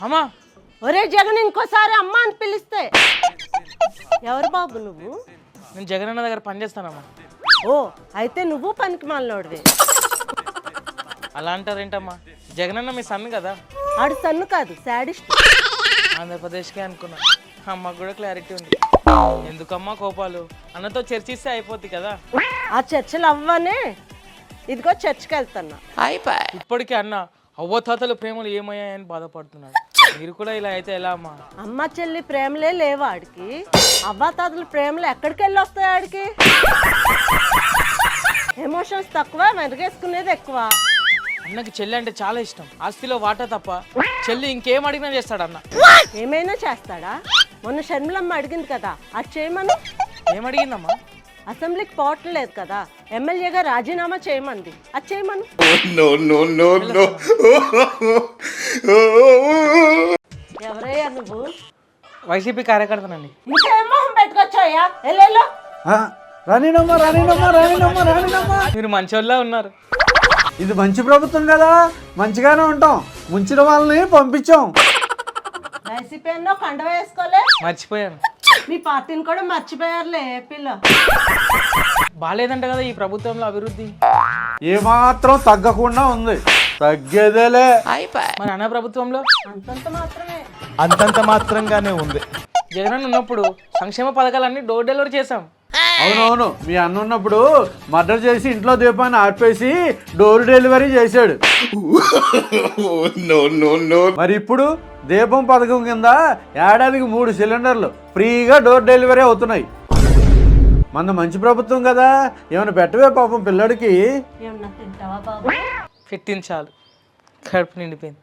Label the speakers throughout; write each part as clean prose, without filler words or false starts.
Speaker 1: అమ్మా
Speaker 2: ఒరే జగన్ ఇంకోసారి అమ్మ అని పిలిస్తే ఎవరు బాబు నువ్వు?
Speaker 1: నేను జగనన్న దగ్గర పనిచేస్తానమ్మా.
Speaker 2: ఓ అయితే నువ్వు పనికి మాలినోడివే.
Speaker 1: అలా అంటారేంటమ్మా? జగనన్న మీ సన్ కదా.
Speaker 2: ఆడు సన్ను కాదు, శాడిస్ట్.
Speaker 1: ఆంధ్రప్రదేశ్కే అనుకున్నా. అమ్మకు కూడా క్లారిటీ ఉంది. ఎందుకమ్మా కోపాలు? అన్నతో చర్చిస్తే అయిపోద్ది కదా.
Speaker 2: ఆ చర్చలు అవ్వనే ఇదిగో చర్చికి వెళ్తున్నా.
Speaker 1: ఇప్పటికీ అన్న అవ్వతాతల ప్రేమలు ఏమయ్యాయని బాధపడుతున్నాడు. మీరు కూడా ఇలా అయితే ఎలా అమ్మా?
Speaker 2: అమ్మ చెల్లి ప్రేమలే లేవు ఆడికి. అవ్వాతాతల ప్రేమలు ఎక్కడికి వెళ్ళి వస్తాయి ఆడికి? ఎమోషన్స్ తక్కువ, మెరుగేసుకునేది ఎక్కువ.
Speaker 1: అన్నకి చెల్లి అంటే చాలా ఇష్టం. ఆస్తిలో వాటా తప్ప చెల్లి ఇంకేం అడిగినా చేస్తాడు అన్న.
Speaker 2: ఏమైనా చేస్తాడా? మొన్న షర్మిలమ్మ అడిగింది కదా, అది చేయమని.
Speaker 1: ఏమడిగిందమ్మా?
Speaker 2: అసెంబ్లీకి పోవట్లేదు కదా, ఎమ్మెల్యేగా రాజీనామా చేయమంది, అది చేయమను. ఎవరయ్యా నువ్వు?
Speaker 1: వైసీపీ కార్యకర్తనండి.
Speaker 2: ఇంకేం మొహం పెట్టుకొచ్చాయా? ఎల్లెల్లో
Speaker 3: రానినమ్మా రానినమ్మా రానినమ్మా రానినమ్మా.
Speaker 1: మీరు మంచోళ్ళ ఉన్నారు.
Speaker 3: ఇది మంచి ప్రభుత్వం కదా, మంచిగానే ఉంటాం. ముంచిన వాళ్ళని పంపించాం.
Speaker 2: వైసీపీ అన్నో కండ వేసుకోలే.
Speaker 1: మర్చిపోయాను.
Speaker 2: మీ పార్టీని కూడా మర్చిపోయారులే ఏపీలో.
Speaker 1: బాగాలేదంట కదా ఈ ప్రభుత్వంలో అభివృద్ధి.
Speaker 3: ఏమాత్రం తగ్గకుండా ఉంది, తగ్గేదేలే.
Speaker 1: మరి అన్న ప్రభుత్వంలో
Speaker 2: అంతంత మాత్రమే.
Speaker 4: అంతంత మాత్రంగానే ఉంది.
Speaker 1: జగన్ ఉన్నప్పుడు సంక్షేమ పథకాలన్నీ డోర్ డెలివరీ చేశాం.
Speaker 3: అవునవును, మీ అన్న ఉన్నప్పుడు మర్డర్ చేసి ఇంట్లో దీపాన్ని ఆర్పేసి డోర్ డెలివరీ చేశాడు. మరి ఇప్పుడు దీపం పథకం కింద ఏడాదికి 3 సిలిండర్లు ఫ్రీగా డోర్ డెలివరీ అవుతున్నాయి. మన మంచి ప్రభుత్వం కదా, ఏమైనా పెట్టవే పాపం పిల్లడికి.
Speaker 2: ఏమన్నా తింటావా బాబు?
Speaker 1: పెట్టించాలి, కడుపు నిండిపోయింది.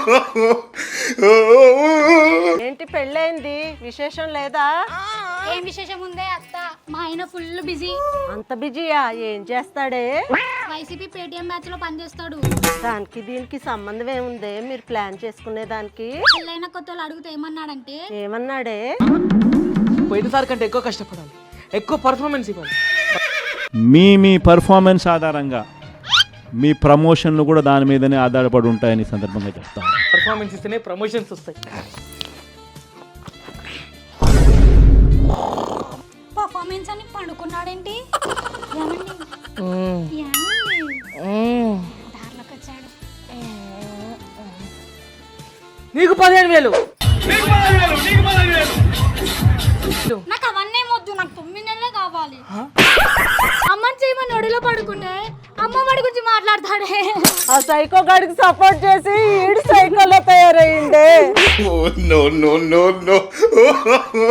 Speaker 2: ఏంటి పెళ్ళైంది, విశేషం లేదా?
Speaker 5: ఏం విశేషం ఉందే అత్త, మా ఆయన ఫుల్ బిజీ.
Speaker 2: అంత బిజీయా? ఏం చేస్తాడే?
Speaker 5: వైసీపీ పేటిఎం బ్యాచ్ లో పనిచేస్తాడు.
Speaker 2: దానికి దీనికి సంబంధం ఏముంది మీరు ప్లాన్ చేసుకునే దానికి?
Speaker 5: పెళ్ళైన కొత్తలు అడిగితే ఏమన్నాడంటే,
Speaker 2: ఏమన్నాడే?
Speaker 1: పోయినసారి కంటే ఎక్కువ కష్టపడాలి, ఎక్కువ పర్ఫార్మెన్స్ ఇవ్వాలి.
Speaker 4: మీ పర్ఫార్మెన్స్ ఆధారంగా మీ ప్రమోషన్లు కూడా దాని మీదనే ఆధారపడి ఉంటాయని సందర్భంగా చెప్తాను.
Speaker 1: పర్ఫార్మెన్స్ ఇస్తేనే ప్రమోషన్స్ వస్తాయి.
Speaker 5: పర్ఫార్మెన్స్ అని పండుకున్నాడేంటి? దారిలోకి వచ్చాడు.
Speaker 1: నీకు 15,000.
Speaker 5: నాకు అవన్నీ వద్దు, నాకు 9 నెలలే కావాలి. అమ్మని చేయమని ఒడిలో పడుకుంటే అమ్మ వాడి గురించి మాట్లాడతాడే.
Speaker 2: ఆ సైకో గాడికి సపోర్ట్ చేసి ఈడు సైకోలో తయారయ్యిండే.